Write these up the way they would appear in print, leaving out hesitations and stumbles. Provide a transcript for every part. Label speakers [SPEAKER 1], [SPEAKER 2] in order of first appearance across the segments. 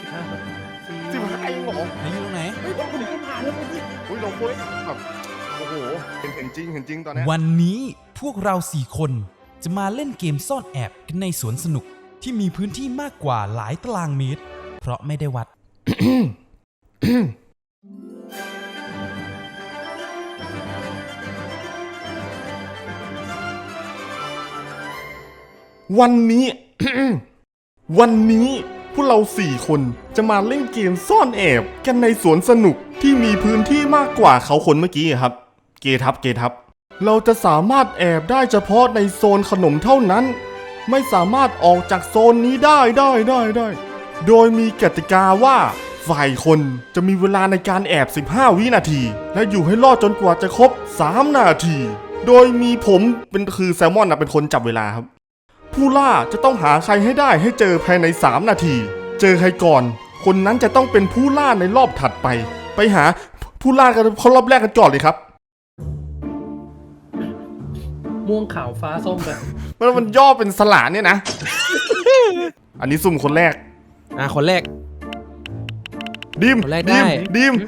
[SPEAKER 1] 15เองเหรอ
[SPEAKER 2] ไหนอยู่ตรงไหน
[SPEAKER 1] เฮ้ยผมเห็นผ่านแล้วพี่อุ้ยเราคุยแบบโอ้โหเห็นจริงตอนนี้
[SPEAKER 2] วันนี้พวกเรา4คนจะมาเล่นเกมซ่อนแอบกันในสวนสนุกที่มีพื้นที่มากกว่าหลายตารางเมตร เพราะไม่ได้วัด
[SPEAKER 1] วันนี้ วันนี้พวกเรา4คนจะมาเล่นเกมซ่อนแอบกันในสวนสนุกที่มีพื้นที่มากกว่าเขาคนเมื่อกี้ครับ เกทับเราจะสามารถแอบได้เฉพาะในโซนขนมเท่านั้น ไม่สามารถออกจากโซนนี้ได้ โดยมีกติกาว่าฝ่ายคนจะมีเวลาในการแอบ15วินาที และอยู่ให้รอดจนกว่าจะครบ3นาที โดยมีผมคือแซลมอนเป็นคนจับเวลาครับ ผู้ล่าจะต้องหาใครให้ได้ให้เจอภายใน3นาที เจอใครก่อน คนนั้นจะต้องเป็นผู้ล่าในรอบถัดไป ไปหาผู้ล่ากันเขารอบแรกกันก่อนเลยครับ
[SPEAKER 3] ม่วงขาวฟ้าส้มกัน
[SPEAKER 1] มันย่อเป็นสลาเนี่ยนะ อันนี้สุ่มคนแรก
[SPEAKER 2] คนแรก
[SPEAKER 1] ดิม
[SPEAKER 2] คนแรกได้
[SPEAKER 1] ดิม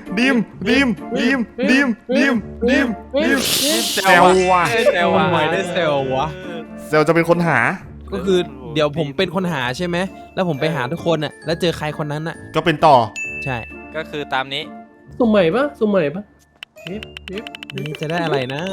[SPEAKER 1] แซวว่ะ
[SPEAKER 2] เซลว่ะได้เซลวะ
[SPEAKER 1] แซวจะเป็นคนหา
[SPEAKER 2] ก็คือเดี๋ยวผมเป็นคนหาใช่ไหมแล้วผมไปหาทุกคนน่ะแล้วเจอใครคนนั้นน่ะ
[SPEAKER 1] ก็เป็นต่อ
[SPEAKER 2] ใช่
[SPEAKER 4] ก็คือตามนี้
[SPEAKER 3] สุ่มใหม่ปะ
[SPEAKER 2] นี่จะได้อะไรนะ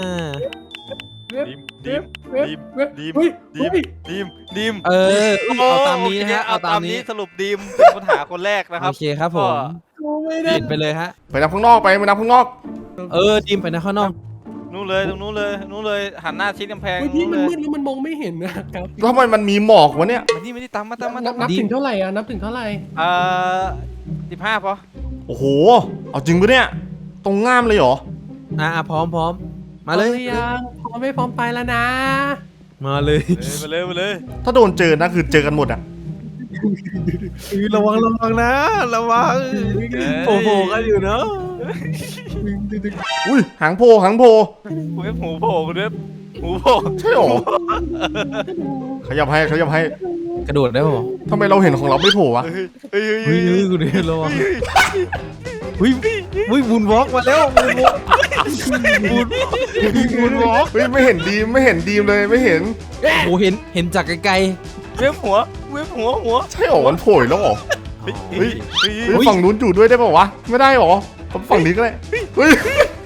[SPEAKER 4] ดิม
[SPEAKER 2] เอาตามนี้นะฮะ
[SPEAKER 4] เอาตามนี้สรุปดิมเป็นคนหาคนแรกนะครั
[SPEAKER 2] โอบ เคครับผม
[SPEAKER 3] ไม่ได้
[SPEAKER 2] เห็นไปเลยฮะ
[SPEAKER 1] ไปนับข้างนอกไปนับข้างนอก
[SPEAKER 2] ดิมไปนะข้างนอก
[SPEAKER 4] นู่นเลยตรงนู้นเลยหันหน้าชิดกำแพง
[SPEAKER 3] พี่
[SPEAKER 4] นู่น
[SPEAKER 3] มัน
[SPEAKER 4] เลย
[SPEAKER 3] มืดแล้วมันมองไม่เห็นนะครับ
[SPEAKER 1] แล้วทำไมมันมีหมอกวะเนี่ย
[SPEAKER 4] ไม่ได้ตามมา
[SPEAKER 3] นับถึงเท่าไหร่นับถึงเท่าไหร่
[SPEAKER 4] 15พอ
[SPEAKER 1] โอ้โห เอาจริงปะเนี่ย ตรงง่ามเลยเหรอ
[SPEAKER 2] พร้อมมาเลย
[SPEAKER 3] ยังพร้อมไม่พร้อมไปแล้วนะ
[SPEAKER 2] มาเลย
[SPEAKER 4] มาเลย
[SPEAKER 1] ถ้าโดนเจอนะคือเจอกันหมดอะ
[SPEAKER 2] ระวังนะระวังโผล่กันอยู่เนาะ
[SPEAKER 1] อุ้ยหางโพหางโพ
[SPEAKER 4] เว็บหูโผล่คุณเว็บหูโผล่
[SPEAKER 1] ใช่หรอ ขยับให้
[SPEAKER 2] กระโดดได้ป่ะ
[SPEAKER 1] ทำไมเราเห็นของเราไม่โผล่วะ
[SPEAKER 4] เฮ้ย
[SPEAKER 2] เฮ้ยคุณเดียระวังบุญวอล์กมาแล้วบุญวอล์ก
[SPEAKER 1] เฮ้ยไม่เห็นดีมเลยไม่เห็น
[SPEAKER 2] โอ้เห็นจากไกล
[SPEAKER 4] เว็บหัว
[SPEAKER 1] ใช่หรอมันโผล่แล้วหรอ เฮ้ย
[SPEAKER 2] อุ๊ย
[SPEAKER 1] ฝั่งนู้นอยู่ด้วยได้ป่าวะ ไม่ได้หรอฝั่งนี้ก็ได้เฮ้ย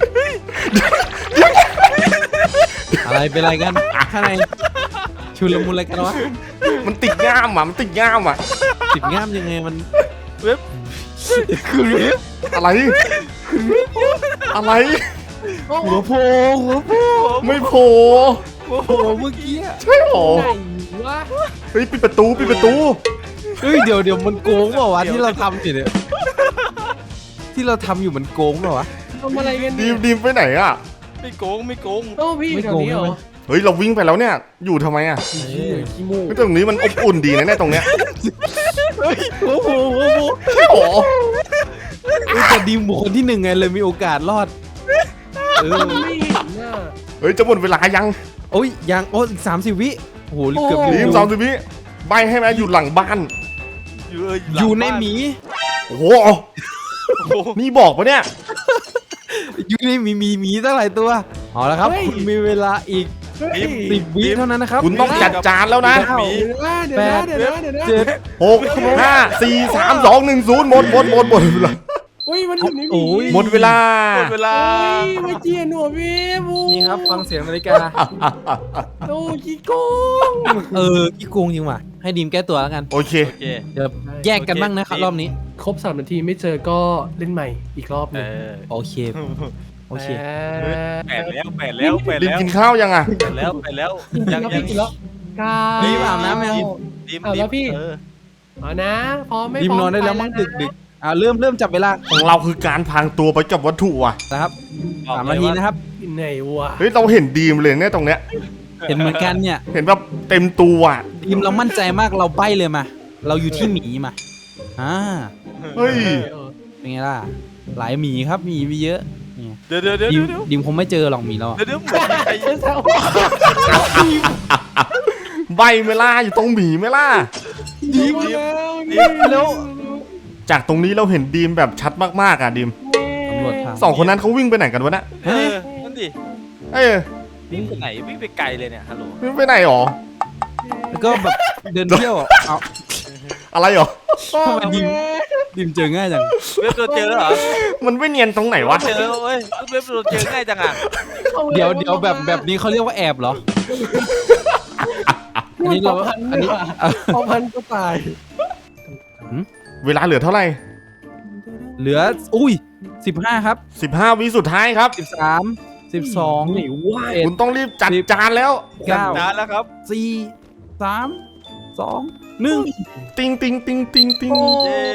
[SPEAKER 2] ๆอะไรเป็นอะไรกันข้างในชุลมุนอะไรกันวะ
[SPEAKER 1] มันติดง่ามอ่ะ
[SPEAKER 2] ติดง่ามยังไงมัน
[SPEAKER 4] เว็บ
[SPEAKER 1] อะไร อะไร
[SPEAKER 2] หัวโผล่
[SPEAKER 1] ไม่โผล่
[SPEAKER 2] เมื่อกี้
[SPEAKER 1] ใช่หรอ
[SPEAKER 3] ไหนวะ
[SPEAKER 1] เฮ้ยปิดประตู
[SPEAKER 2] เฮ้ยเดี๋ยวมันโกงเปล่าวะที่เราทำอยู่เนี่ยที่เราทำอยู่มันโกงเปล่าวะ
[SPEAKER 3] ทำอะไรกัน
[SPEAKER 1] ดีมไปไหนอ่ะ
[SPEAKER 4] ไม่โกง
[SPEAKER 3] โอ้พี่แถวนี้เหรอ
[SPEAKER 1] เฮ้ยเราวิ่งไปแล้วเนี่ย อยู่ทำไมอ่ะ
[SPEAKER 3] ขี้มู
[SPEAKER 1] เฮ้ยตรงนี้มันอบอุ่นดีนะเนี่ยตรงเนี้ย
[SPEAKER 2] หัวโผล่
[SPEAKER 1] ใช่หรอ
[SPEAKER 2] แต่ดีมบุคคลที่1ไงเลยมีโอกาสรอด
[SPEAKER 3] ไม่เห็นน่ะ
[SPEAKER 1] เฮ้ยจะหมดเวลายัง
[SPEAKER 2] โอ้ยยังอีก30 วิโอ้โหเกือบ
[SPEAKER 1] ดีม30 วิใบให้ไหมอยู่หลังบ้าน
[SPEAKER 2] อยู่ในหมี
[SPEAKER 1] โอ้โหนี่บอกปะเนี่ย
[SPEAKER 2] อยู่ในหมีตั้งหลายตัวเอาละครับคุณมีเวลาอีก10 วิเท่านั้นนะครับ
[SPEAKER 1] คุณต้องจัดจานแล้วนะ
[SPEAKER 2] 9
[SPEAKER 3] เดี๋ยวนะ
[SPEAKER 2] 7
[SPEAKER 1] 6 5 4 3 2 1 0หมดเวลา
[SPEAKER 3] อุ้ยมันอยู่ใน
[SPEAKER 2] โอ้ย
[SPEAKER 1] หมดเวลา
[SPEAKER 4] เวลา
[SPEAKER 3] ไม่เจียนหัวพี่บู
[SPEAKER 2] นี่ครับฟังเสียงนาฬิกา
[SPEAKER 3] โอ้ขี้โกง
[SPEAKER 2] ขี้โกงจริงว่ะให้ดีมแก้ตัวแล้วกัน
[SPEAKER 1] โอเค
[SPEAKER 4] โอเค
[SPEAKER 2] เดี๋ยวแยกกันบ้างนะครับรอบนี้
[SPEAKER 3] ครบ3 นาทีไม่เจอก็เล่นใหม่อีกรอบหนึง
[SPEAKER 2] โอเค
[SPEAKER 4] 8 แล้ว
[SPEAKER 1] ดิมกินข้าวยังอ่ะ
[SPEAKER 4] ยัง
[SPEAKER 3] กินแล้วกา
[SPEAKER 2] รีบอาบน้ำยัง
[SPEAKER 4] ดิม
[SPEAKER 3] แล้วพี่เอานะพร้อมไม่
[SPEAKER 2] ดีม
[SPEAKER 3] พร้อม
[SPEAKER 2] นอนได้แล้วมั้งดึกเริ่มจับเวลา
[SPEAKER 1] ของเราคือการพรางตัวไปกับวัตถุอ่ะ
[SPEAKER 2] นะครับ3 นาทีนะครับ
[SPEAKER 3] ไหนวะ
[SPEAKER 1] เฮ้ยเราเห็นดีมเลยเนี่ยตรงเนี้ย
[SPEAKER 2] เห็นเหมือนกันเนี่ย
[SPEAKER 1] เห็นแบบเต็มตัวอ่ะ
[SPEAKER 2] ดีมเรามั่นใจมากเราใบ้เลยมา เราอยู่ที่หมีมา
[SPEAKER 1] เฮ้ย
[SPEAKER 2] เป็นไงล่ะหลายหมีครับหมีมีเยอะเนี่ย
[SPEAKER 4] เดี๋ยว
[SPEAKER 2] ดิมคงไม่เจอหรอกหมีเรา
[SPEAKER 4] เหมือนใคร
[SPEAKER 1] ใบเมล่าอยู่ตรงหมีเมล่า
[SPEAKER 3] ดีมาแล้ว
[SPEAKER 2] แล้ว
[SPEAKER 1] จากตรงนี้เราเห็นดีมแบบชัดมากๆอ่ะดีม
[SPEAKER 2] ตำรวจทาง
[SPEAKER 1] สองคนนั้นเขาวิ่งไปไหนกันวะน่ะ
[SPEAKER 4] นั่นดิ
[SPEAKER 1] เอ้ย
[SPEAKER 4] วิ่งไปไหนวิ่งไปไกลเลยเนี่ยฮัลโหล
[SPEAKER 1] วิ่งไปไหนหรอ
[SPEAKER 2] แล้วก็แบบเดินเที่ยวอ่ะเอา
[SPEAKER 1] อะไรหรอ
[SPEAKER 2] ทำไมดิมเจอง่ายจัง
[SPEAKER 4] เว็บโดนเจอแล้วเหรอ
[SPEAKER 1] มันไม่เนียนตรงไหนวะ
[SPEAKER 4] เจอแล้วเว้ยเว็บโดนเจอง่ายจังอ่ะ
[SPEAKER 2] เดี๋ยวแบบนี้เขาเรียกว่าแอบเหรอ อันนี้เราอันนี้
[SPEAKER 3] พอพันก็ตาย
[SPEAKER 1] เวลาเหลือเท่าไหร่
[SPEAKER 2] เหลือ15 ครับ
[SPEAKER 1] 15 วิสุดท้ายครับ
[SPEAKER 2] 13 12
[SPEAKER 3] ไหนวะ
[SPEAKER 1] คุณต้องรีบจัดจานแล้ว
[SPEAKER 2] 9
[SPEAKER 4] นานแล้วครับ
[SPEAKER 2] 4 3 2 1
[SPEAKER 1] ติงติงติงติงติง
[SPEAKER 4] เย้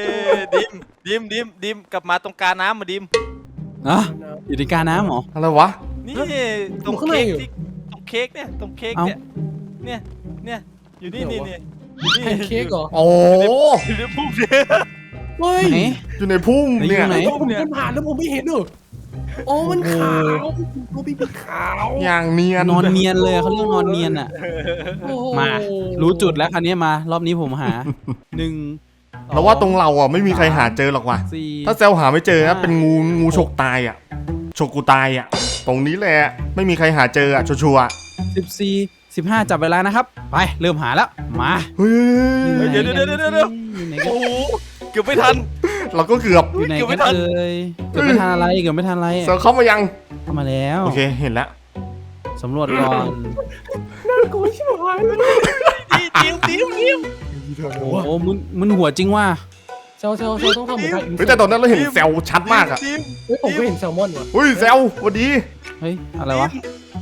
[SPEAKER 4] ดิมกลับมาตรงกลางน้ำมาดิม
[SPEAKER 2] อ่ะอยู่ในกาน้ำเหรอ
[SPEAKER 1] อะไรวะ
[SPEAKER 4] นี่ตรงเค้กที่ตรงเค้กเนี่ยตรงเค้กเนี่ยอยู่นี่อยู่นี่
[SPEAKER 3] แพนเค้กเหรอ
[SPEAKER 1] โอ้
[SPEAKER 4] อยู่ในพุ่มเนี่ย
[SPEAKER 3] เฮ้ย
[SPEAKER 2] ไหน
[SPEAKER 1] อยู่ในพุ่มเนี่ย
[SPEAKER 2] ไหน
[SPEAKER 3] ผมเดินผ่านแล้วผมไม่เห็นเหรอโอ้มันขาวโอ้พี่เป็นขาว
[SPEAKER 1] อย่างเนียน
[SPEAKER 2] นอนเนียนเลยเขาเรียกนอนเนียนอ่ะ
[SPEAKER 3] โอ้โห
[SPEAKER 2] มา รู้จุดแล้วคันนี้มารอบนี้ผมหา 1
[SPEAKER 1] แล้วว่าตรงเราอ่ะไม่มีใครหาเจอหรอกว่ะ
[SPEAKER 2] 4
[SPEAKER 1] ถ้าเซลหาไม่เจอนะเป็นงูฉกตายอ่ะฉกกูตายอ่ะ ตรงนี้แหละไม่มีใครหาเจออ่ะชัวร์
[SPEAKER 2] 14 15 จับเวลานะครับ ไป เริ่มหาแล้ว มา
[SPEAKER 1] ๆเฮ้ย
[SPEAKER 4] เดี๋ยว
[SPEAKER 2] อยู่ไหนกัน
[SPEAKER 4] โอ้โหเกือบไม่ทัน
[SPEAKER 1] เราก็เกือบ
[SPEAKER 2] อยู่ไหน
[SPEAKER 4] เกือบไม่
[SPEAKER 2] กัน
[SPEAKER 4] ทัน
[SPEAKER 2] เอ่ยเกือบไม่ทันอะไรเกือบไม่ทันอะไร
[SPEAKER 1] เซลเข้ามายัง
[SPEAKER 2] เข้ามาแล้ว
[SPEAKER 1] โอเคเห็นแล้ว
[SPEAKER 2] สำรวจก่อน
[SPEAKER 3] น่ากลัวชิบหายเลย
[SPEAKER 4] ดิม
[SPEAKER 2] โอ้โหมึนหัวจริงว่ะ
[SPEAKER 3] เซลต้องทำเหมือนกัน
[SPEAKER 1] เฮ้ยแต่ตอนนั้นเราเห็นเซลชัดมากอ่ะ
[SPEAKER 4] ดิม
[SPEAKER 3] เฮ้ยผมก็เห็นแซลมอนว่ะ
[SPEAKER 1] เฮ้ยเซลสวัสดี
[SPEAKER 2] เฮ้ย อะไรวะ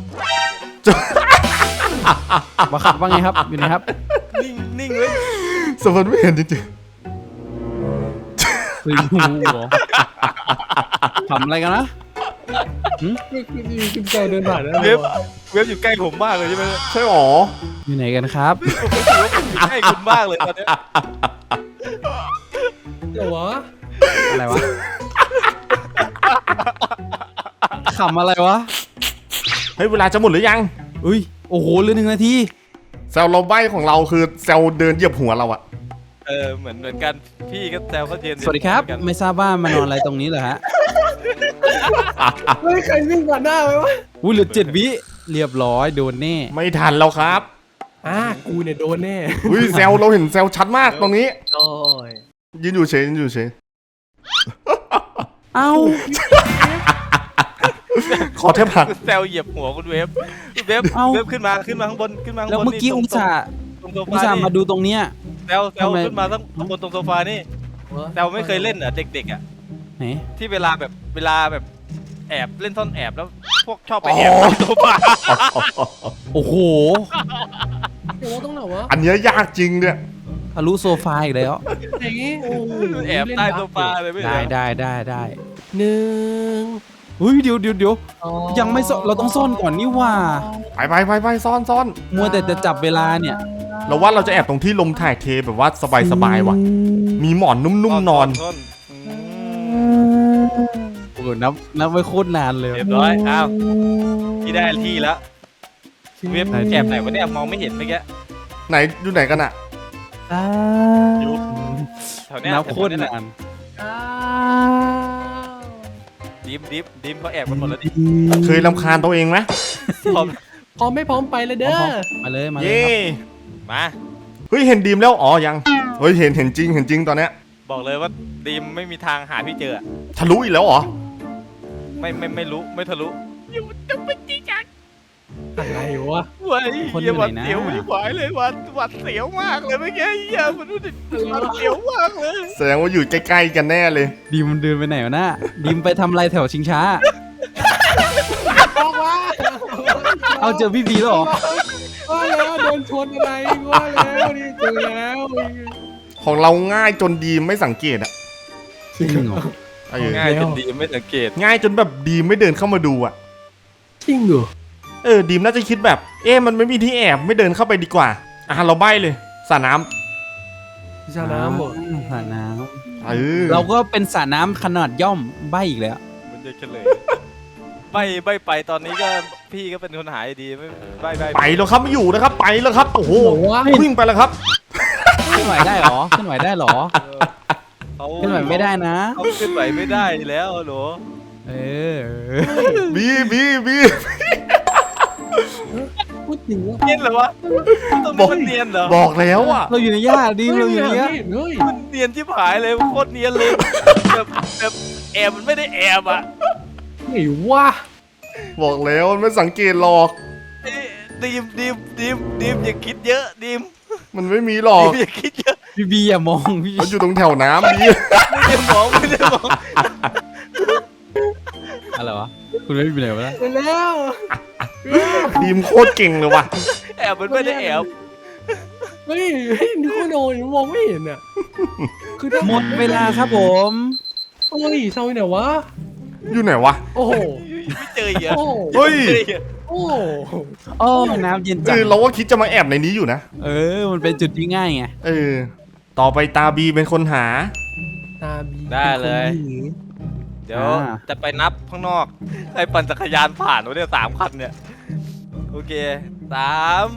[SPEAKER 2] มาขับว่าไงครับ อยู่ไหนครับ
[SPEAKER 4] นิ่งเลย
[SPEAKER 1] สมมติไม่เห็นจริง
[SPEAKER 2] คือหูเหรอทำอะไรกันนะ
[SPEAKER 3] คือเซลเดินผ่านแล้ว
[SPEAKER 4] เว็บอยู่ใกล้ผมมากเลยใช่ไหม
[SPEAKER 1] ๆใช่หรอ
[SPEAKER 2] อยู่ไหนกันครับ
[SPEAKER 4] ผมรู้สึกว่าผมอยู่ใกล้คุณมากเลยตอนเนี้ย
[SPEAKER 3] เดี๋ยววะ
[SPEAKER 2] อะไรวะขำอะไรวะ
[SPEAKER 1] เฮ้ยเวลาจะหมดหรือยัง
[SPEAKER 2] อุ้ย โอ้โหเหลือ1 นาที
[SPEAKER 1] เซลเราใบของเราคือเซลเดินเหยียบหัวเราอะ
[SPEAKER 4] เหมือนกันพี่ก็แซวก็เย็น
[SPEAKER 2] สวัสดีครับ ไม่ทราบว่ามานอนอะไรตรงนี้เหรอฮะ
[SPEAKER 3] เฮ้ยใครวิ่งผ่านหน้าไปวะ
[SPEAKER 2] อุ้ยเหลือ7 วิเรียบร้อยโดนแน่
[SPEAKER 1] ไม่ทันแล้วครับ
[SPEAKER 3] กูเนี่ยโดนแน่
[SPEAKER 1] เฮ้ยเซลเราเห็นเซลชัดมากตรงนี้
[SPEAKER 3] โอ้ย
[SPEAKER 1] ยืนอยู่เฉยยืนอยู่เฉย
[SPEAKER 2] เอ้า
[SPEAKER 1] ขอแทบหัก
[SPEAKER 4] แซวเหยียบหัวคุณเว็บเว็บขึ้นมาข้างบนขึ้นมาข้างบน
[SPEAKER 2] แล้วเมื่อกี้อุตส่าห์
[SPEAKER 4] ตรงโซ
[SPEAKER 2] อุต
[SPEAKER 4] ฟา
[SPEAKER 2] ส่าห์
[SPEAKER 4] นี่
[SPEAKER 2] มาดูตรงเนี้ย
[SPEAKER 4] แซวขึ้นมาข้างบนตรงโซฟานี่แซวไม่เคยเล่นเหรอเด็กๆอ่ะ
[SPEAKER 2] ไหน
[SPEAKER 4] ที่เวลาแบบแอบเล่นซ่อนแอบแล้วพวกชอบไปแอบตรงโซฟา
[SPEAKER 2] โอ้โห
[SPEAKER 3] เดี๋ยวว่าต้องไหนวะ
[SPEAKER 1] อันเนี้ยยากจริงเนี่ย
[SPEAKER 2] ทะลุโซฟาอีกแล้ว
[SPEAKER 3] ไหนโอ้โห
[SPEAKER 4] แอบใต้โซฟาเลยไม่
[SPEAKER 2] ได้
[SPEAKER 4] ได้
[SPEAKER 2] ได้
[SPEAKER 3] หนึ่ง
[SPEAKER 2] เฮ้ยเดี๋ยว
[SPEAKER 3] สอ
[SPEAKER 2] ยังไม่ซ่อนเราต้องซ่อนก่อนนี่ว่า
[SPEAKER 1] ไปซ่อน
[SPEAKER 2] มัวแต่จะจับเวลาเนี่ย
[SPEAKER 1] เราว่าเราจะแอบตรงที่ลมถ่ายเทแบบว่าสบายว่ะ มีหมอนนุ่มๆนอน
[SPEAKER 4] ซ่
[SPEAKER 2] โอ้โหนับไว้โคตรนานเลย
[SPEAKER 4] เรียบร้อยอ้าวที่ได้ที่แล้วเว็บแอบไหนวะเนี่ยมองไม่เห็นเมื่อกี้
[SPEAKER 1] ไหนอยู่ไหนกันอะ
[SPEAKER 4] อยู่แถวเนี้ย
[SPEAKER 2] นับโคตรนาน
[SPEAKER 3] อ้าว
[SPEAKER 4] ดิมเขาแอบกันหมดแล้วดิ
[SPEAKER 1] เคยรำคาญตัวเองไหม
[SPEAKER 4] พร้อม
[SPEAKER 3] พร้อมไม่พร้อมไปเลยเด้อ
[SPEAKER 2] มาเลยครับ
[SPEAKER 1] เย่
[SPEAKER 4] มา
[SPEAKER 1] เฮ้ยเห็นดีมแล้วอ๋อยังเฮ้ยเห็นจริงตอนเนี้ย
[SPEAKER 4] บอกเลยว่าดิมไม่มีทางหาพี่เจอ
[SPEAKER 1] ทะลุอีกแล้วเหรอ
[SPEAKER 4] ไม่รู้ไม่ทะลุ
[SPEAKER 3] อะไรวะ
[SPEAKER 4] เว้ยเหี้ยหวัดเสียวไม่ไหวเลยหวัดเสียวมากเลยเมื่อกี้เหี้ยมันรู้สึกหวัดเสียวมากเลย
[SPEAKER 1] แสดงว่าอยู่ใกล้ๆกันแน่เลย
[SPEAKER 2] ดีมมันเดินไปไหนวะน่ะดีมไปทำอะไรแถวชิงช้า
[SPEAKER 3] ออกมา
[SPEAKER 2] เอาเจอพี่บีแล้วเหรอ
[SPEAKER 3] ว่าแล้วโดนชนอะไรว่าแล้วนี่เจอแล้ว
[SPEAKER 1] ของเราง่ายจนดีมไม่สังเกตอะ
[SPEAKER 2] จริงเหรอ
[SPEAKER 1] เออ
[SPEAKER 4] ง่ายจนดีไม่สังเกต
[SPEAKER 1] ง่ายจนแบบดีมไม่เดินเข้ามาดูอะ
[SPEAKER 3] จริงเหรอ
[SPEAKER 1] ดีมน่าจะคิดแบบ มันไม่มีที่แอบไม่เดินเข้าไปดีกว่าเราใบ้เลยสระน้
[SPEAKER 3] พิชาน้ำหมด
[SPEAKER 2] สระน้
[SPEAKER 1] ำ
[SPEAKER 2] ำเราก็เป็นสระน้ำขนาดย่อมใบอีกแล้ว
[SPEAKER 4] มันจะเฉลยใบไปตอนนี้ก็พี่ก็เป็นคนหายดีไม่ใบ
[SPEAKER 1] ไปแล้วครับไม่อยู่นะครับไปแล้วครับโอ้โหวิ่งไปแล้วครับ
[SPEAKER 2] ขึ้นไหวได้เหรอขึ้นไหวได้เหรอ
[SPEAKER 4] เขา
[SPEAKER 5] ขึ้นไหวไม่ได้นะ
[SPEAKER 4] เขาขึ้นไหวไม่ได้แล้วเหรอ
[SPEAKER 5] เออ
[SPEAKER 1] บี
[SPEAKER 3] พูดถึงว่า
[SPEAKER 4] เนียนเหรอวะตรงนี้มันเนียนเหรอ
[SPEAKER 1] บอกแล้วอ่ะ
[SPEAKER 5] เราอยู่ในหญ้าดิเราอยู่ในหญ้า
[SPEAKER 3] เฮ้ย
[SPEAKER 4] มันเนียนชิบหายเลยโคตรเนียนเลยแบบแอบมันไม่ได้แอบอ่ะ
[SPEAKER 3] ไหนวะ
[SPEAKER 1] บอกแล้วมันไม่สังเกตหรอก
[SPEAKER 4] เอ้ยดีมอย่าคิดเยอะดีม
[SPEAKER 1] มันไม่มีหรอ
[SPEAKER 4] ดี
[SPEAKER 1] ก
[SPEAKER 4] มอย่าคิดเยอะ
[SPEAKER 5] พี่บีอย่ามองพี่
[SPEAKER 1] มันอยู่ตรงแถวน้ำบี
[SPEAKER 4] ไม่ได้มอง
[SPEAKER 5] อะไรวะคุณไม่เป็นไรวะ
[SPEAKER 3] ไปแล้ว
[SPEAKER 1] ดีมโคตรเก่งเลยว่ะ
[SPEAKER 4] แอบมันไม่ได้แอบ
[SPEAKER 3] เฮ้ยนี่ก็โดนมองไม่เห็นอ่ะคือถ้า
[SPEAKER 5] หมดเวลาครับผม
[SPEAKER 3] เฮ้ยเศร้าเนี่ยวะ
[SPEAKER 1] อยู่ไหนวะ
[SPEAKER 3] โอ้โห
[SPEAKER 4] ไม่เจออีกอ่ะ
[SPEAKER 3] โอ้โห
[SPEAKER 1] เฮ้ย
[SPEAKER 4] ไม่เจออีกอะ
[SPEAKER 3] โอ้โห
[SPEAKER 5] โอ้น้ำเย็นจัง
[SPEAKER 1] เราก็คิดจะมาแอบในนี้อยู่นะ
[SPEAKER 5] เออมันเป็นจุดที่ง่ายไง
[SPEAKER 1] ต่อไปตาบีเป็นคนหา
[SPEAKER 3] ตาบี
[SPEAKER 4] ได้เลย
[SPEAKER 3] ป็นคนดี
[SPEAKER 4] เดี๋ยวจะไปนับข้างนอกใครปั่นจักรยานผ่านวะเนี่ย3 คันเนี่ยโอเค3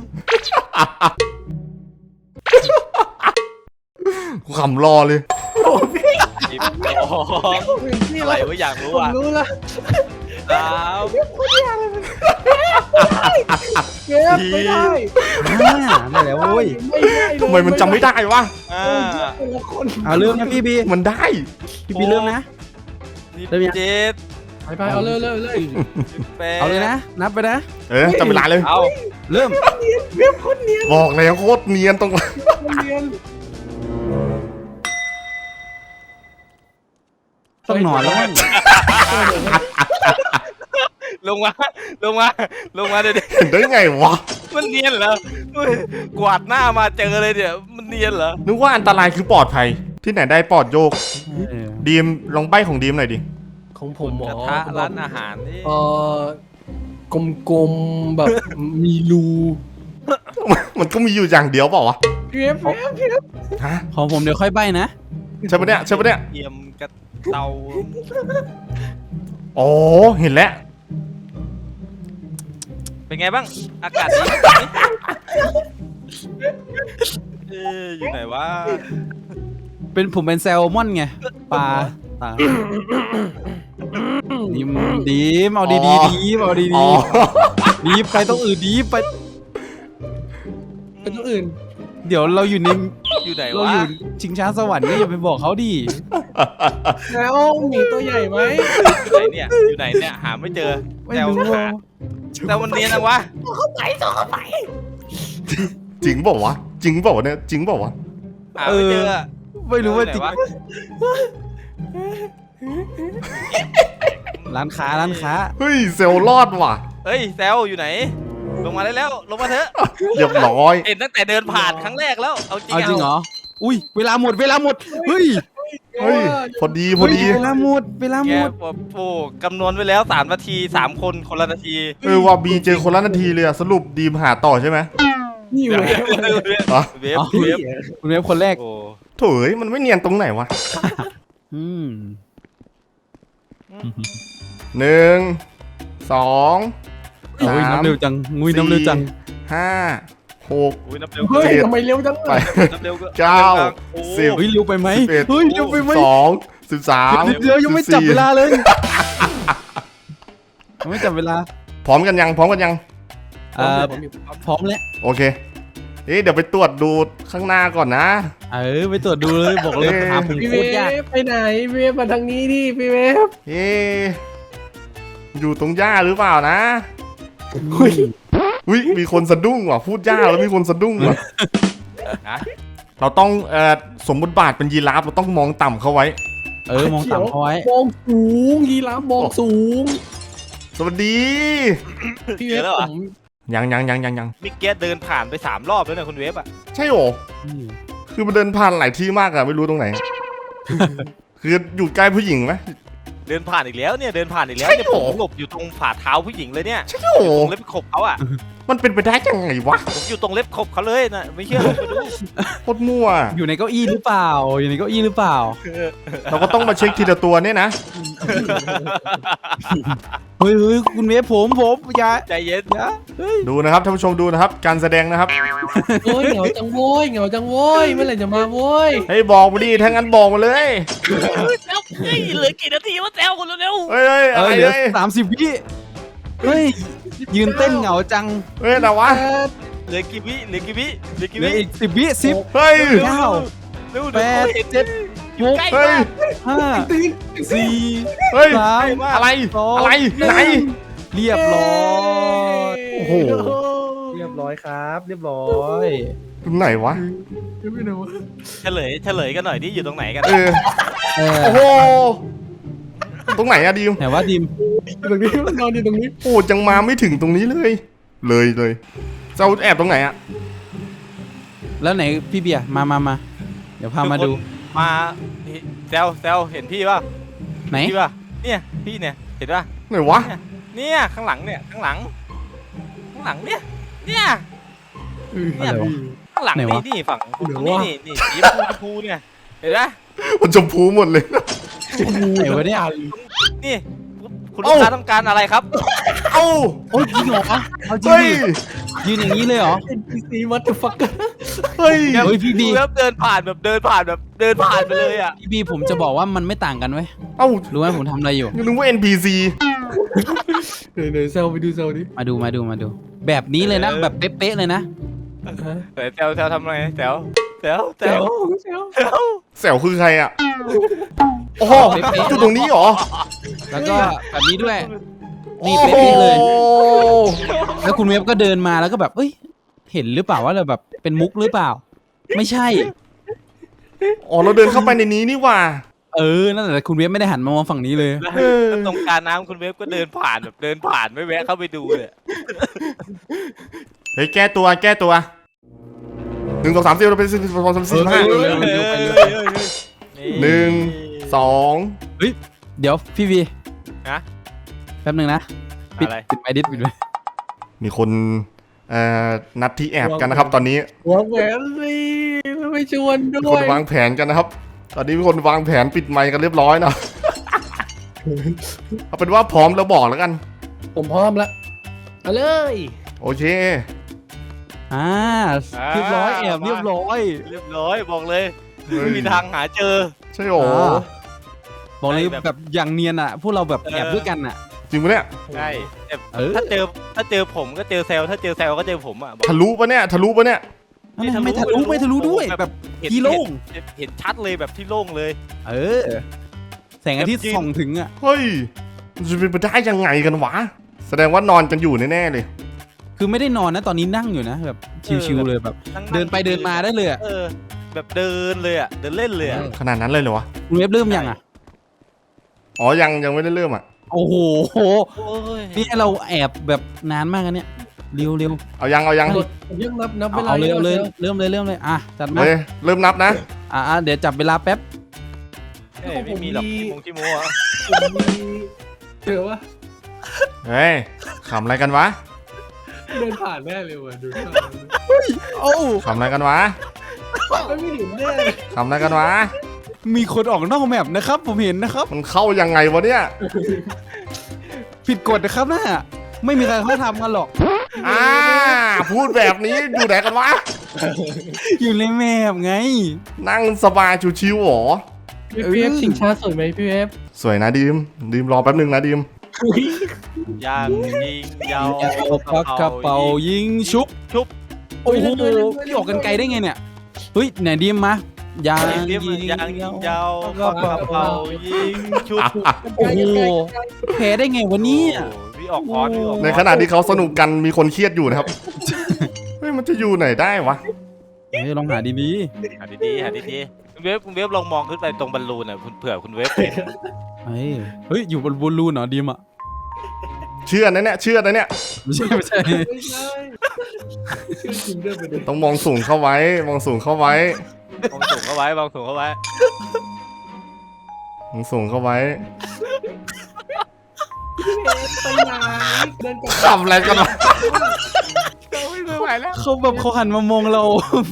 [SPEAKER 1] กูขำรอเลย
[SPEAKER 4] 12
[SPEAKER 3] นี่
[SPEAKER 4] อะไร
[SPEAKER 3] เรา
[SPEAKER 4] วะอยากรู้
[SPEAKER 3] ผม
[SPEAKER 4] อ่ะ
[SPEAKER 3] รู้ละ
[SPEAKER 4] 3
[SPEAKER 3] เก็บไม่ได้
[SPEAKER 5] ได้แล้วโว้ย
[SPEAKER 3] ไม่ได้เลย
[SPEAKER 1] ทำไมมันจำไม่ได้วะ
[SPEAKER 4] อ่า
[SPEAKER 3] แต่ละคน
[SPEAKER 5] เอาเริ่มนะพี่บี
[SPEAKER 1] มันได้
[SPEAKER 5] พี่บีเริ่มนะ เริ่มยัง
[SPEAKER 4] 17
[SPEAKER 3] ไปเอาเลย
[SPEAKER 4] 18
[SPEAKER 5] เอาเลยนะ นับไปนะ
[SPEAKER 1] จำเวลาเลย
[SPEAKER 4] เอา
[SPEAKER 5] เริ่ม
[SPEAKER 3] เว็บคนเนียน
[SPEAKER 1] บอกแล้วโคตรเนียนตรง
[SPEAKER 3] คนเนียน
[SPEAKER 5] ต้องนอนแล้วมั้ง
[SPEAKER 4] ลงมาเดี๋ยว
[SPEAKER 1] เห็นได้ไงวะ
[SPEAKER 4] มันเนียนเหรอเฮ้ยกวาดหน้ามาเจอเลยเนี่ยมันเนียนเหรอ
[SPEAKER 1] นึกว่าอันตรายคือปลอดภัย ที่ไหนได้ปลอดโยก
[SPEAKER 5] เออ
[SPEAKER 1] ดีมลองใบของดีมหน่อยดิ
[SPEAKER 3] ของผมหม
[SPEAKER 4] ก
[SPEAKER 3] อ
[SPEAKER 4] ระทะร้านอาหารนี่
[SPEAKER 3] กลมๆแบบมีรู
[SPEAKER 1] มันก็มีอยู่อย่างเดียวเปล่าวะ
[SPEAKER 3] เว็บ
[SPEAKER 1] ฮะ
[SPEAKER 5] ของผมเดี๋ยวค่อยใบนะ
[SPEAKER 1] ใช่ปะเนี่ย
[SPEAKER 4] เตรียมกระเตา
[SPEAKER 1] อ๋อ เห็นแล้ว
[SPEAKER 4] เป็นไงบ้างอากาศดีไหมอยู่ไหนวะ
[SPEAKER 5] ผมเป็นแซลมอนไงปลาตาดีมเอาดี
[SPEAKER 1] อ๋อ
[SPEAKER 5] ดีเอาดี
[SPEAKER 1] อ๋อ
[SPEAKER 5] ดีไปต้องอื่นดีไป
[SPEAKER 3] เป็นตัวอื่น
[SPEAKER 5] เดี๋ยวเราอยู่ใน
[SPEAKER 4] อยู่ไหน
[SPEAKER 5] เรา
[SPEAKER 4] วะ
[SPEAKER 5] อยู่ชิงช้าสวรรค์ก็อย่าไปบอกเขาดิ
[SPEAKER 3] แล้วมีตัวใหญ่ไหม
[SPEAKER 4] อยู่ไหนเนี่ยหาไม่เจอ
[SPEAKER 5] ไม่
[SPEAKER 4] แต่
[SPEAKER 5] รู้
[SPEAKER 4] หาแต่วันนี้นะวะ
[SPEAKER 1] จริงเปล่าวะ จริงเปล่าวะเนี่ย จริงเปล่าวะ
[SPEAKER 4] หาไม่เจอ
[SPEAKER 5] ไม่รู้ว่าจริง
[SPEAKER 4] ไหนวะ
[SPEAKER 5] ร้านค้า
[SPEAKER 1] เฮ้ย เซลล์รอดว่ะ
[SPEAKER 4] เฮ้ยแซวอยู่ไหน ลงมาได้แล้วลงมาเถอะ
[SPEAKER 1] เรียบร้อย
[SPEAKER 4] เห็นตั้งแต่เดินผ่านครั้งแรกแล้วเอาจริง
[SPEAKER 5] เอาจริงเหรออุ้ยเวลาหมดเฮ้ย
[SPEAKER 1] เฮ้ย พอดี
[SPEAKER 5] เวลาหมด
[SPEAKER 4] แกโอ้กำนวณไว้แล้ว3 นาที3 คนคนละนาที
[SPEAKER 1] ว่าบีเจอคนละนาทีเลยอะสรุปดีมหาต่อใช่ไหม
[SPEAKER 3] นี่เว็บ
[SPEAKER 1] อ๋อ
[SPEAKER 4] เวฟ
[SPEAKER 5] อ๋อ
[SPEAKER 4] เวฟ
[SPEAKER 5] คุณเวฟคนแรก
[SPEAKER 4] โอ้
[SPEAKER 1] โถยมันไม่เนียนตรงไหนวะ
[SPEAKER 5] อืม
[SPEAKER 1] 1 2
[SPEAKER 5] โอ้ยน้ำเร็วจังงุยน้ำเร็วจัง
[SPEAKER 1] 5 6
[SPEAKER 4] อุ้ยนับเร็ว
[SPEAKER 3] เฮ้ยทำไมเร็วจัง
[SPEAKER 1] ไป
[SPEAKER 4] นับเร็วก็
[SPEAKER 1] เก้า
[SPEAKER 4] โอ้
[SPEAKER 1] สิบ
[SPEAKER 5] เฮ้ยเร็วไปไหม
[SPEAKER 1] 11
[SPEAKER 5] เฮ้ยเร็วไปไหม
[SPEAKER 1] 12 13
[SPEAKER 5] เดี๋ยวยังไม่จับเวลาเลยยังไม่จับเวลา
[SPEAKER 1] พร้อมกันยัง พร้อมกันยัง
[SPEAKER 5] พร้อมแล้ว
[SPEAKER 1] โอเค เดี๋ยวไปตรวจดูข้างหน้าก่อนนะ
[SPEAKER 5] ไปตรวจดูเลยบอกเลยหาผม
[SPEAKER 3] พี่
[SPEAKER 5] โค
[SPEAKER 3] เว
[SPEAKER 5] ตรยาก
[SPEAKER 3] ฟไปไหนเวฟมาทางนี้ดิพี่เวฟ
[SPEAKER 1] อยู่ตรงหญ้าหรือเปล่านะ
[SPEAKER 3] อุ้ย
[SPEAKER 1] อุ้ยมีคนสะดุ้งว่ะ พูดหญ้าแล้วมีคนสะดุ้งว่ะ
[SPEAKER 4] ฮะ
[SPEAKER 1] เราต้องสมบทบาทเป็นยีราฟเราต้องมองต่ำเข้าไว้
[SPEAKER 5] มองต่ำเขาไว้
[SPEAKER 3] มองสูงยีราฟมองสูง
[SPEAKER 1] สวัสดี
[SPEAKER 3] พี่เวฟผม
[SPEAKER 1] ยัง
[SPEAKER 4] มิกเกตเดินผ่านไป3 รอบแล้วเนี่ยคุณเวฟอ่ะ
[SPEAKER 1] ใช่โหรอคือมันเดินผ่านหลายที่มากอะไม่รู้ตรงไหน คืออยู่ใกล้ผู้หญิงไหม
[SPEAKER 4] เดินผ่านอีกแล้วเนี่ยเดินผ่านอีกแล้ว
[SPEAKER 1] ใช่
[SPEAKER 4] เนี่ย
[SPEAKER 1] เหร
[SPEAKER 4] ผ
[SPEAKER 1] อ
[SPEAKER 4] มหลบอยู่ตรงฝ่าเท้าผู้หญิงเลยเนี่ย
[SPEAKER 1] ใช่โหร
[SPEAKER 4] ตร
[SPEAKER 1] อง
[SPEAKER 4] เล็บขบเขาอ่ะ
[SPEAKER 1] มันเป็นไปได้ยังไงวะ
[SPEAKER 4] ผมอยู่ตรงเล็บขบเขาเลยนะไม่เชื่อไปดู
[SPEAKER 1] โคตรมั่ว
[SPEAKER 5] อยู่ในเก้าอี้หรือเปล่า อยู่ในเก้าอี้หรือเปล่า
[SPEAKER 1] เราก็ต้องมาเช็คทีละตัวเนี่ยนะ
[SPEAKER 5] เฮ้ยคุณเวฟผมอย่า
[SPEAKER 4] ใจเย็น
[SPEAKER 5] อย่าเฮ้ย
[SPEAKER 1] ดูนะครับท่านผู้ชมดูนะครับ การแสดงนะครับ
[SPEAKER 3] โอ้ยเหงาจังโว้ยเหงาจังโว้ยเมื่อไหร่จะมาโว้ย
[SPEAKER 1] เฮ้ยบอกมาดิถ้างั้นบอกมาเลย
[SPEAKER 4] แล้วเฮ้ยเหลือกี่นาทีวะแซวคนเร็ว
[SPEAKER 1] เฮ้ยเฮ้ยอะไร
[SPEAKER 5] เหลือ
[SPEAKER 1] เฮ้ย
[SPEAKER 5] 30 วิเฮ้ย ยืนเต้นเหงาจัง
[SPEAKER 1] เฮ้ยอะไรวะ
[SPEAKER 4] เหลือกี่วิเหลือกี่วิเหลือกี่
[SPEAKER 5] เหลื
[SPEAKER 4] วิ
[SPEAKER 5] ออีก10 วิ10
[SPEAKER 1] เฮ้ย
[SPEAKER 5] เก้า
[SPEAKER 4] เร็ว
[SPEAKER 5] แปด
[SPEAKER 4] เห็น
[SPEAKER 5] เจ็ด
[SPEAKER 4] อยู่ใกล้
[SPEAKER 1] เฮ้ย
[SPEAKER 4] มาก
[SPEAKER 5] 5 4
[SPEAKER 1] เฮ้ย
[SPEAKER 5] 3
[SPEAKER 1] อะไร อะไร ไหน
[SPEAKER 5] เรียบร้อย
[SPEAKER 1] โอ้โห
[SPEAKER 3] เรียบร้อยครับ เรียบร้อย
[SPEAKER 1] ไหนวะ
[SPEAKER 3] ไม่รู้
[SPEAKER 4] เฉลยกันหน่อยที่อยู่ตรงไหนกัน
[SPEAKER 1] เออ โอ้โห ตรงไหนอะดิม
[SPEAKER 5] ไหนว่าดิม
[SPEAKER 3] ตรงนี้มันนอนอยู่ตรงนี้
[SPEAKER 1] โอ้ยังมาไม่ถึงตรงนี้เลย เลยจะเอาแอบตรงไหนอะ
[SPEAKER 5] แล้วไหนพี่เบียร์มาเดี๋ยวพามาดู
[SPEAKER 4] มาแซวเห็นพี่ป่ะ
[SPEAKER 5] ไหน
[SPEAKER 4] พี่ป่ะเนี่ยพี่เนี่ยเห็นป่ะ
[SPEAKER 1] ไหนวะ
[SPEAKER 4] เนี่ยข้างหลังเนี่ยข้างหลังเนี่ย
[SPEAKER 5] อะไรวะ
[SPEAKER 4] ข้างหลัง
[SPEAKER 5] ไหนวะ
[SPEAKER 4] นี่ฝั่งนี่สีชมพูเนี่ยเห็นป่ะ
[SPEAKER 1] มันชมพูหมดเลย
[SPEAKER 5] ไหนวะเนี่ย
[SPEAKER 4] นี่คุณลูกค้าต้องการอะไรครับ
[SPEAKER 1] เอ้า
[SPEAKER 5] โอ้ยจริงเหรอเอาจริง
[SPEAKER 1] เฮ้ย
[SPEAKER 5] ดิยืนอย่างนี้เลยเหรอ
[SPEAKER 3] NPC what the fuck
[SPEAKER 1] เฮ้ย
[SPEAKER 5] เฮ้ยพี่บี
[SPEAKER 4] ดูแล้วเดินผ่านไปเลยอ่ะ
[SPEAKER 5] พี่บีผมจะบอกว่ามันไม่ต่างกันเว้ย
[SPEAKER 1] เอ้า
[SPEAKER 5] รู้ไหมผมทำอะไรอยู่
[SPEAKER 1] ยังนึกว่า NPC
[SPEAKER 3] เดี๋ยวเซลไปดูเซลดิ
[SPEAKER 5] มาดูแบบนี้เลยนะแบบเป๊ะๆเลยนะ
[SPEAKER 4] แซวทำอะไรแซว
[SPEAKER 3] เซล
[SPEAKER 1] แสวคือใครอะโอ้โหอยู่ตรงนี้เหรอ
[SPEAKER 5] แล้วก็แบบนี้ด้วย นี่เป๊ะๆเลย
[SPEAKER 1] โอ้โห
[SPEAKER 5] แล้วคุณเวฟก็เดินมาแล้วก็แบบเอ้ยเห็นหรือเปล่าว่าเราแบบเป็นมุกหรือเปล่า ไม่ใช่
[SPEAKER 1] อ๋อเราเดินเข้าไปในนี้นี่หว่า
[SPEAKER 5] นั่นแหละคุณเวฟไม่ได้หันมามองฝั่งนี้เลย
[SPEAKER 4] แล้วตรงกลารน้ำคุณเวฟก็เดินผ่านไม่แวะเข้าไปดูเลย
[SPEAKER 1] เฮ้ยแก้ตัว1 2 3 4เราเป็น12 13 14 15 1 2
[SPEAKER 5] เดี๋ยวพี่วี
[SPEAKER 4] นะ
[SPEAKER 5] แป๊บหนึ่งนะปิด
[SPEAKER 4] อะไร
[SPEAKER 5] ไมค์ดิสปิดไว้
[SPEAKER 1] มีคนนัดที่แอบกันนะครับ ตอนนี้
[SPEAKER 3] หัวแหวนสิไม่ชวนด้
[SPEAKER 1] มี
[SPEAKER 3] ว
[SPEAKER 1] คน
[SPEAKER 3] ยว
[SPEAKER 1] างแผนกันนะครับ ตอนนี้มีคนวางแผนปิดไมค์กันเรียบร้อยนะ เอาเป็นว่าพร้อมแล้วบอกแล้วกัน
[SPEAKER 3] ผมพร้อมแล้วเอาเลย
[SPEAKER 1] โอเค
[SPEAKER 5] เรียบร้อยแอบเรียบร้อย
[SPEAKER 4] บอกเลย
[SPEAKER 1] เฮ้ย
[SPEAKER 4] ไม่มีทางหาเจอ
[SPEAKER 1] ใช่โหรอ
[SPEAKER 5] บอกเลย
[SPEAKER 4] แบบ
[SPEAKER 5] แบบอย่างเนียนอ่ะ พวกเราแบบแอบด้วยกันอ่ะ
[SPEAKER 1] จริงปะเนี่ย
[SPEAKER 4] ใช่แต่
[SPEAKER 5] เออ
[SPEAKER 4] ถ้าเจอผมก็เจอแซลถ้าเจอแซลก็เจอผมอ่ะ
[SPEAKER 1] ทะลุปะเนี่ยทะลุปะเนี่ย
[SPEAKER 5] ไม่ทะลุด้วยแบบ ที่โล่ง
[SPEAKER 4] เห็นชัดเลยแบบที่โล่งเลย
[SPEAKER 5] แสงอาทิตย์ส่องถึงอ่ะ
[SPEAKER 1] เฮ้ยมันจะเป็นไปได้ยังไงกันวะ แสดงว่านอนกันอยู่แน่ๆเลย
[SPEAKER 5] คือไม่ได้นอนนะตอนนี้นั่งอยู่นะแบบชิวๆเลยแบบ เดินไปเดินมาได้เลยอ่ะ
[SPEAKER 4] แบบเดินเลยอ่ะเดินเล่นเลยอ่ะ
[SPEAKER 1] ขนาดนั้นเลยเหรอวะ
[SPEAKER 5] คุณเว็บเริ่มยังอ่ะ
[SPEAKER 1] อ๋อยังไม่ได้เริ่มอ่ะ
[SPEAKER 5] โอ้โห
[SPEAKER 4] โอ้ย
[SPEAKER 5] นี่เราแอบแบบนานมากอันเนี่ยเร็ว
[SPEAKER 1] เอายัง
[SPEAKER 3] ผมยังนับเวลา
[SPEAKER 5] เอาเร็วเลยเริ่มเลยอ่ะจัดมา
[SPEAKER 1] เฮ้ยเริ่มนับนะ
[SPEAKER 5] เดี๋ยวจับเวลาแป๊บ
[SPEAKER 4] ไม่มีหรอกที่โม้อะ
[SPEAKER 3] เจอวะ
[SPEAKER 1] เฮ้ยขำอะไรกันวะ
[SPEAKER 3] เดินผ่านแน่เลยว่ะดูท่า
[SPEAKER 5] โอ้
[SPEAKER 1] ขำอะไรกันวะ
[SPEAKER 3] ไม่เห็นแน่
[SPEAKER 1] ขำอะไรกันวะ
[SPEAKER 5] มีคนออกนอกแมปนะครับ ผมเห็นนะครับ
[SPEAKER 1] มันเข้ายังไงวะเนี่ย
[SPEAKER 5] ผิดกฎนะครับน่ะไม่มีใครเขาทำกันหรอก
[SPEAKER 1] พูดแบบนี้อยู่ไหนกันวะ
[SPEAKER 5] อยู่ในแมปไง
[SPEAKER 1] นั่งสบายชิวๆหรอ
[SPEAKER 3] พี่เอฟชิงช้าสวยไหมพี่เอฟ
[SPEAKER 1] สวยนะดีมรอแป๊บนึงนะดีม
[SPEAKER 4] ย่างยิงยาว
[SPEAKER 5] ปักกระเป๋ายิงชุบ
[SPEAKER 4] ชุบ
[SPEAKER 5] โอ้โหพี่ออกกันไกลได้ไงเนี่ยเฮ้ยไหนดีมมายาง
[SPEAKER 4] ยิ
[SPEAKER 5] ยิ
[SPEAKER 4] ง
[SPEAKER 5] ง
[SPEAKER 4] ยางยิงยาวกระเป๋ายิงชุบ
[SPEAKER 5] โอ้โหแพ้ได้ไงวะเนี่ย
[SPEAKER 4] พี่ออกคอนพี่ออก
[SPEAKER 1] ในขณะที่เขาสนุกกันมีคนเครียดอยู่นะครับ เฮ้ยมันจะอยู่ไหนได้วะ
[SPEAKER 5] เฮ้ยลองหาดี
[SPEAKER 4] หาดีๆคุณเวฟลองมองขึ้นไปตรงบอลลูนอ่ะเผื่อคุณเวฟเห็น
[SPEAKER 5] ๆเฮ้ยอยู่บนบอลลูนเหรอดีมอ่ะ
[SPEAKER 1] เชื่อนะเนี่ย
[SPEAKER 5] ไม่ใช่
[SPEAKER 3] ไม่ใช่ชื่อจริงด้วยประเด็น
[SPEAKER 1] ต้องมองสูงเข้าไว้
[SPEAKER 4] มองสูงเข้าไว้มองสูงเข้าไว้
[SPEAKER 1] มองสูงเข้าไว้
[SPEAKER 3] ไปไหนเดินกลับ
[SPEAKER 1] ขำอะไรกันวะ
[SPEAKER 3] แล้ว
[SPEAKER 5] เขาแบบเขาหันมามองเรา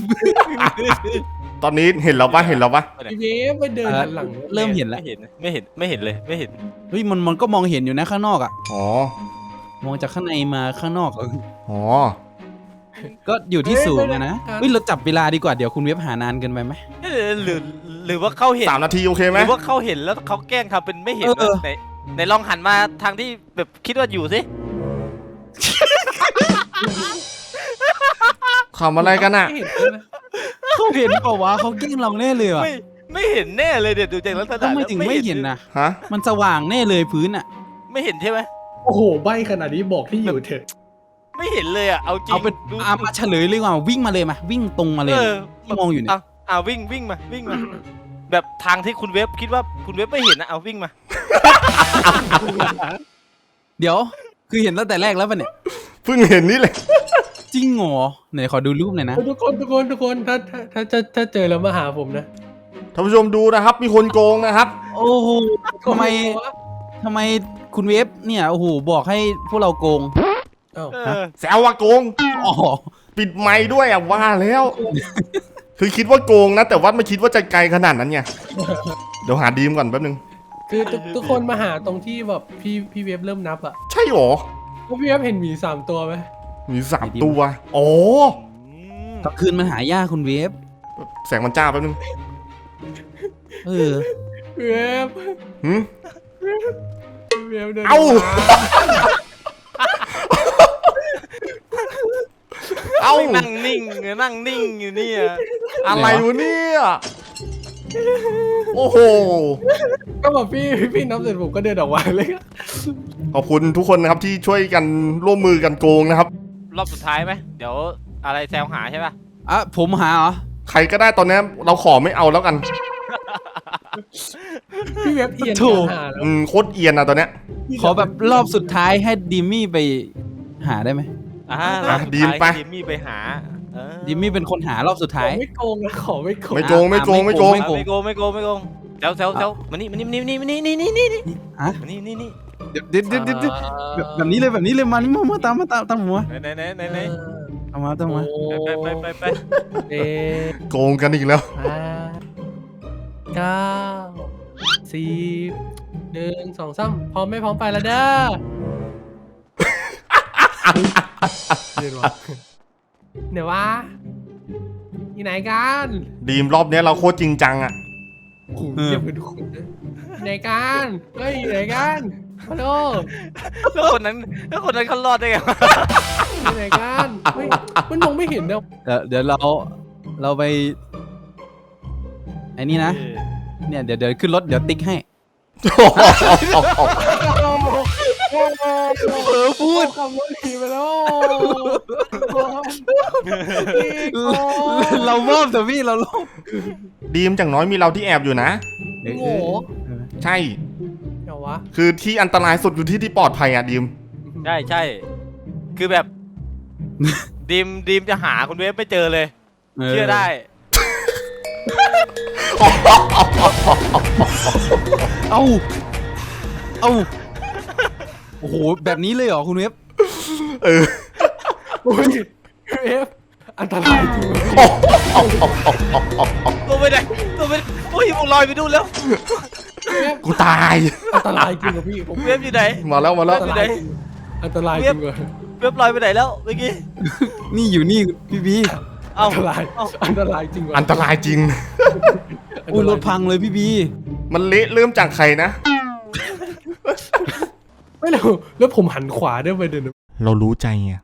[SPEAKER 1] ตอนนี้เห็นเราปะเห็นเราปะ
[SPEAKER 3] พี่เวฟไปเดินหันหลัง
[SPEAKER 5] เริ่มเห็นแล้ว
[SPEAKER 4] ไม่เห็นเลยไม่เห็น
[SPEAKER 5] เฮ้ยมันก็มองเห็นอยู่นะข้างนอกอ่ะ
[SPEAKER 1] อ๋อ
[SPEAKER 5] มองจากข้างในมาข้างนอก
[SPEAKER 1] อ๋อ
[SPEAKER 5] ก็อยู่ที่สูงอะนะเฮ้ยเราจับเวลาดีกว่าเดี๋ยวคุณเว็บหานานเกินไปไหม
[SPEAKER 4] หรือว่าเขาเห็น
[SPEAKER 1] 3 นาทีโอเค
[SPEAKER 4] ห
[SPEAKER 1] ไหม
[SPEAKER 4] รือว่าเขาเห็นแล้วเขาแกล้งทำเป็นไม่เห็น
[SPEAKER 5] เออ
[SPEAKER 4] ไหนลองหันมาทางที่แบบคิดว่าอยู่สิ
[SPEAKER 1] ขำอะไรกันอ่ะ
[SPEAKER 3] ไม่เห็นเลยนะ
[SPEAKER 5] เขาเห็นเปล่าวะเขาแกล้งเราแน่เลยว่ะ
[SPEAKER 4] ไม่เห็นแน่เลยเดี๋ยวดูจากลักษณะ
[SPEAKER 5] ทำไมถึงไม่เห็นนะ
[SPEAKER 1] ฮะ
[SPEAKER 5] มันสว่างแน่เลยพื้นอ่ะ
[SPEAKER 4] ไม่เห็นใช่ไหม
[SPEAKER 3] โอ้โหใบขนาดนี้บอกที่อยู่เถอะ
[SPEAKER 4] ไม่เห็นเลยอ่ะเอาจริง
[SPEAKER 5] เอาเป็น
[SPEAKER 4] ดู
[SPEAKER 5] มาเฉลยเลยดีกว่าวิ่งมาเลยมาวิ่งตรงมาเลยที่มองอยู่เนี่ย
[SPEAKER 4] วิ่งมาแบบทางที่คุณเว็บคิดว่าคุณเว็บไม่เห็นนะเอาวิ่งมา
[SPEAKER 5] เดี๋ยวคือเห็นตั้งแต่แรกแล้วป่ะเนี่ย
[SPEAKER 1] เพิ่งเห็นนี่เลย
[SPEAKER 5] จริงเหรอไหนขอดูรูปหน่อยนะ
[SPEAKER 3] ทุกคนถ้าเจอแล้วมาหาผมนะ
[SPEAKER 1] ท่านผู้ชมดูนะครับ มีคนโกงนะครับ
[SPEAKER 5] โอ้โหทำไมคุณเว็บเนี่ยโอ้โหบอกให้พวกเราโกง
[SPEAKER 3] เอ้า
[SPEAKER 1] แซวว่าโกง
[SPEAKER 5] อ๋อ
[SPEAKER 1] ปิดไมค์ด้วยอ่ะว่าแล้ว คือคิดว่าโกงนะ แต่ว่าไม่คิดว่าจะไกลขนาดนั้นไง เดี๋ยวหาดีมก่อนแป๊บนึง
[SPEAKER 3] คือทุกคนมาหาตรงที่แบบพี่เวฟเริ่มนับอ่ะ
[SPEAKER 1] ใช่หรอ
[SPEAKER 3] แล้วพี่เวฟเห็นหมี3 ตัวไหม
[SPEAKER 1] มี3 ตัวอ๋อ
[SPEAKER 5] กลางคืนมันหายากคุณเว็บ
[SPEAKER 1] แสงมันจ้าแป๊บนึง
[SPEAKER 5] เออ
[SPEAKER 3] พี่เวฟ
[SPEAKER 1] หืม
[SPEAKER 3] พี่เวฟเดิน
[SPEAKER 1] เอ้า
[SPEAKER 3] มา
[SPEAKER 1] เอ้า
[SPEAKER 4] นั่งนิ่งอยู่เนี่ย
[SPEAKER 1] อะไรวะเนี่ย โอ้โห
[SPEAKER 3] ก็แบบพี่นับเสร็จผมก็เดินออกมาเลย
[SPEAKER 1] ขอบคุณทุกคนนะครับที่ช่วยกันร่วมมือกันโกงนะครับ
[SPEAKER 4] รอบสุดท้ายไหมเดี๋ยวอะไรแซวหาใช่ป่ะ
[SPEAKER 5] อ่ะผมหาเหรอ
[SPEAKER 1] ใครก็ได้ตอนนี้เราขอไม่เอาแล้วกัน
[SPEAKER 3] พี่เวฟเอียน
[SPEAKER 5] ถูก
[SPEAKER 3] หาแล้ว
[SPEAKER 1] โคตรเอียนอะตอนเนี้ย
[SPEAKER 5] ขอแบบรอบสุดท้ายให้ดิมมี่ไปหาได้ไหม
[SPEAKER 4] รอบสุด
[SPEAKER 1] ดีม
[SPEAKER 4] ท้าย
[SPEAKER 1] ไป
[SPEAKER 4] ดิมมี่ไปหาเออ
[SPEAKER 5] ดิมมี่เป็นคนหา รอบสุด
[SPEAKER 3] ข
[SPEAKER 5] ท้า
[SPEAKER 3] อย ไม่โกงนะขอไม่โกง
[SPEAKER 1] ไม่โกงไม่โกงไม่โกง
[SPEAKER 5] ไม่โกง
[SPEAKER 4] ไม่โกงแซวมานี่นี่
[SPEAKER 5] ฮะ
[SPEAKER 4] นี่
[SPEAKER 5] เดี๋ยวแบบนี้เลยมานี่มาตามผมมา
[SPEAKER 4] ไหน
[SPEAKER 5] ตามมา
[SPEAKER 4] ไป
[SPEAKER 3] เอ๊ะ
[SPEAKER 1] โกงกันอีกแล้ว
[SPEAKER 3] 8 9 10 1 2 3พร้อมไม่พร้อมไปแล้วเด้อเดี๋ยววะอยู่ไหนกัน
[SPEAKER 1] ดีมรอบเนี้ยเราโคตรจริงจังอะ
[SPEAKER 3] โอ้โหเยี่ยมเป็นทุกคนนะอยู่ไหนกันเฮ้ยอยู่ไหนกันฮัลโหล
[SPEAKER 4] แล้วคนนั้นเขารอดได้ไง
[SPEAKER 3] อยู่ไหนกันเฮ้ยมันมองไม่เห็นนะ
[SPEAKER 5] เดี๋ยวเราไปไอ้นี่นะ เนี่ยเดี๋ยวขึ้นรถเดี๋ยวติ๊กให้
[SPEAKER 3] พูดคำว่าผีไปแล้ว
[SPEAKER 5] เรามอบแต่พี่เราลบ
[SPEAKER 1] ดีมอย่างน้อยมีเราที่แอบอยู่นะ
[SPEAKER 3] โง่
[SPEAKER 1] ใช่
[SPEAKER 3] เดี๋ยววะ
[SPEAKER 1] คือที่อันตรายสุดอยู่ที่ปลอดภัยอะดีม
[SPEAKER 4] ใช่คือแบบดีมจะหาคุณเวฟไม่เจอเลย เชื่อได้
[SPEAKER 5] เอาโอ้โหแบบนี้เลยเหรอคุณเว็บ
[SPEAKER 1] เออ
[SPEAKER 3] โอ้ยเอฟอันตรายจริงเลย
[SPEAKER 4] ตัวไปไหนโอ้ยผมลอยไปดูแล้ว
[SPEAKER 1] กูตาย
[SPEAKER 3] อันตรายจริงกับพี่ผม
[SPEAKER 4] เวฟอยู่ไหน
[SPEAKER 1] มาแล้วมาแล้ว
[SPEAKER 3] อันตรายจริงอันตรายจริงเลย
[SPEAKER 4] เวฟลอยไปไหนแล้วเมื่อกี้
[SPEAKER 5] นี่อยู่นี่พี่บี
[SPEAKER 4] เอ้า
[SPEAKER 3] อันตรายอันตรายจริง
[SPEAKER 1] อันตรายจริง
[SPEAKER 5] อุ้ยรถพังเลยพี่บี
[SPEAKER 1] มันเละเริ่มจากใครนะ
[SPEAKER 3] ไม่แล้วผมหันขวาด้วยไปเดิน
[SPEAKER 1] เรารู้ใจไง